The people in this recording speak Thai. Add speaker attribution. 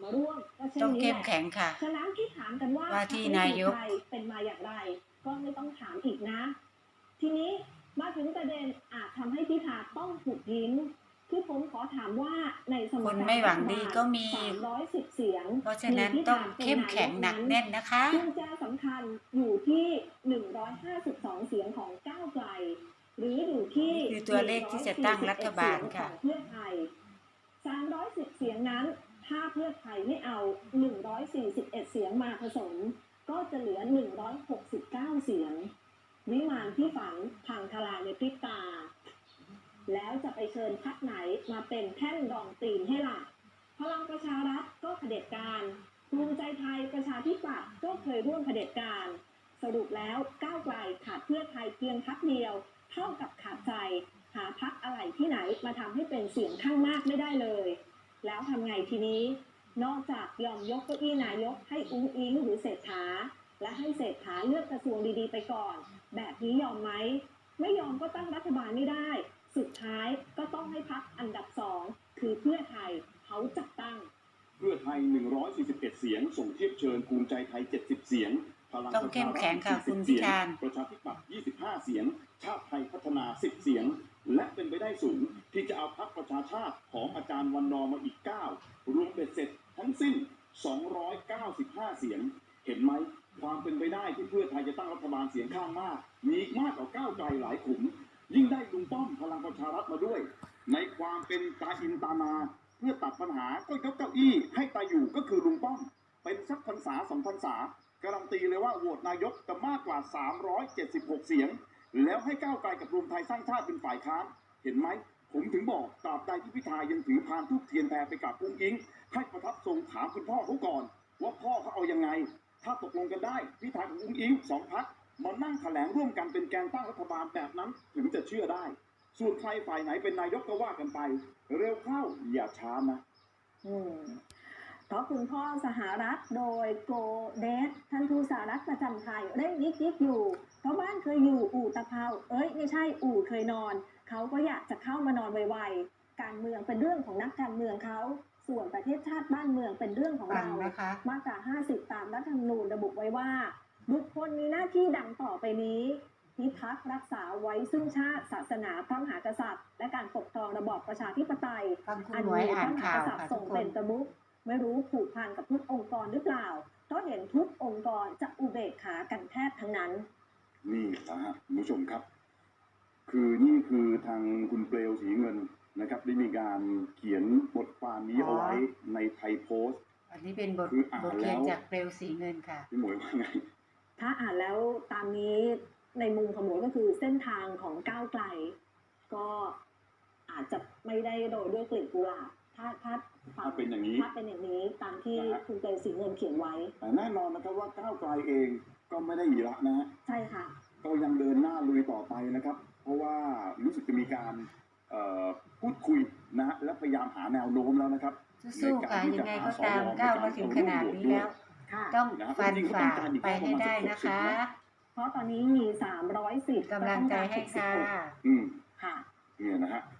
Speaker 1: มาร่วมก็เช่น
Speaker 2: ต้อง
Speaker 1: นี้
Speaker 2: เข้
Speaker 1: แหละ
Speaker 2: มแข็งค่ะ
Speaker 1: ฉะนั้นที่ถามกันว่า
Speaker 2: ว่าที่นายก
Speaker 1: เป็นมาอย่างไรก็ไม่ต้องถามอีกนะทีนี้มาถึงประเด็นอาจทำให้พิธาต้องถูกยิ้มคือผมขอถามว่าในสมการ
Speaker 2: คนไม่หวังดีก็มี
Speaker 1: 310เสียง
Speaker 2: เพราะฉะนั้นต้องเข้มแข็งหนักแน่นนะคะ
Speaker 1: กุญแจสำคัญอยู่ที่152เสียงของก้าวไกลหรืออยู่ที่
Speaker 2: คือตัวเลขที่จะตั้งรัฐบาลค่ะ
Speaker 1: เพื่อไทย310เสียงนั้นถ้าเพื่อไทยไม่เอา141เสียงมาผสมก็จะเหลือ169เสียงวิมานที่ฝันพังทลายในพริบตาแล้วจะไปเชิญพรรคไหนมาเป็นแท่นรองตีนให้ล่ะพลังประชารัฐก็เผด็จการภูมิใจไทยประชาธิปัตย์ก็เคยร่วมเผด็จการสรุปแล้วก้าวไกลขาดเพื่อไทยเพียงพรรคเดียวเท่ากับขาดใจหาพรรคอะไรที่ไหนมาทำให้เป็นเสียงข้างมากไม่ได้เลยแล้วทำไงทีนี้นอกจากยอมยกเก้าอี้นายกให้อุ๊งอิ๊งหรือเศรษฐาและให้เศรษฐาเลือกกระทรวงดีๆไปก่อนแบบนี้ยอมไหมไม่ยอมก็ตั้งรัฐบาลไม่ได้สุดท้ายก็ต้องให้พรรคอันดับ2คือเพื่อไทยเขาจัดตั้ง
Speaker 3: เพื่อไทย141เสียงส่งเทียบเชิญภูมิใจไทย70เสียงพลังประชารัฐ40เสียงประชาธิปัตย์25เสียงชาติไทยพัฒนา10เสียงและเป็นไปได้สูงที่จะเอาพรรคประชาชาติของอาจารย์วันนอร์มาอีก9รวมเป็นเสร็จทั้งสิ้น295เสียงเห็นไหมความเป็นไปได้ที่เพื่อไทยจะตั้งรัฐบาลเสียงข้างมากมีมากกว่าก้าวไกลหลายขุมยิ่งได้ลุงป้อมพลังประชารัฐมาด้วยในความเป็นตาอินตานาเพื่อตัดปัญหาก็ยกเก้าอี้ให้ตาอยู่ก็คือลุงป้อมเป็นสักพรรษา2พรรษาการันตีเลยว่าโหวตนายกจะมากกว่า376เสียงแล้วให้ก้าวไกลกับรวมไทยสร้างชาติเป็นฝ่ายค้านเห็นไหมผมถึงบอกตราบใดที่พิธายังถือพานทูปเทียนแพรไปกับอุ้งอิงให้ประทับทรงถามคุณพ่อเขาก่อนว่าพ่อเขาเอายังไงถ้าตกลงกันได้พิธากับอุ้งอิง2พรรคมานั่งแถลงร่วมกันเป็นแกนตั้งรัฐบาลแบบนั้นถึงจะเชื่อได้ส่วนใครฝ่ายไหนเป็นนายกก็ว่ากันไปเร็วเข้าอย่าช้านะ
Speaker 1: เพราะคุณพ่อสหรัฐโดยโกเดสท่านทูตสหรัฐประจำไทยเร่งยิกอยู่เพราะบ้านเคยอยู่อู่ตะเภาไม่ใช่อู่เคยนอนเขาก็อยากจะเข้ามานอนไวๆการเมืองเป็นเรื่องของนักการเมืองเขาส่วนประเทศชาติบ้านเมืองเป็นเรื่องของเรามาตรา50ตามรัฐธรรมนูญระบุไว้ว่าบุคคลมีหน้าที่ดังต่อไปนี้พิทักษ์รักษาไว้ซึ่งชาติศาสนาพระมหากษัตริย์และการปกครองระบอบประชาธิปไตย
Speaker 2: อันมีพระมหากษัตริ
Speaker 1: ย์ทรงเป็นประมุขไม่รู้ผูกพันกับทุกองค์กรหรือเปล่าเพราะเห็นทุกองค์กรจะอุเบกขากันแทบทั้งนั้น
Speaker 3: นี่นะฮะคุณผู้ชมครับนี่คือทางคุณเปลวสีเงินนะครับได้มีการเขียนบทความนี้เอาไว้ในไทยโพสต์
Speaker 2: อันนี้เป็นบทเขียนจากเปลวสีเงินค่ะ
Speaker 3: พี่หมวยว่าไง
Speaker 1: ถ้าอ่านแล้วตามนี้ในมุมของหมวยก็คือเส้นทางของก้าวไกลก็อาจจะไม่ได้โรยด้วยกลีบกุหลาบถ้าเป็นอย่างนี้ตามที่คุณเปลวสีเงินเขียนไว้
Speaker 3: แต่แน่นอนนะครับว่าก้าวไกลเองก็ไม่ได้หยีละนะฮะ
Speaker 1: ใช่ค่ะ
Speaker 3: ก็ยังเดินหน้าลุยต่อไปนะครับเพราะว่ารู้สึกจะมีการพูดคุยนะฮะและพยายามหาแนวโน้มแล้วนะครับ
Speaker 2: สู้ค่ะยังไงก็ตามก้าวมาถึงขนาดนี้แล้วต้องฟันฝ่าไปให้ได้นะคะ
Speaker 1: เพราะตอนนี้มี310
Speaker 2: กำลังใจให้ค่ะ
Speaker 1: ค่ะ
Speaker 3: เนี่ยนะฮะ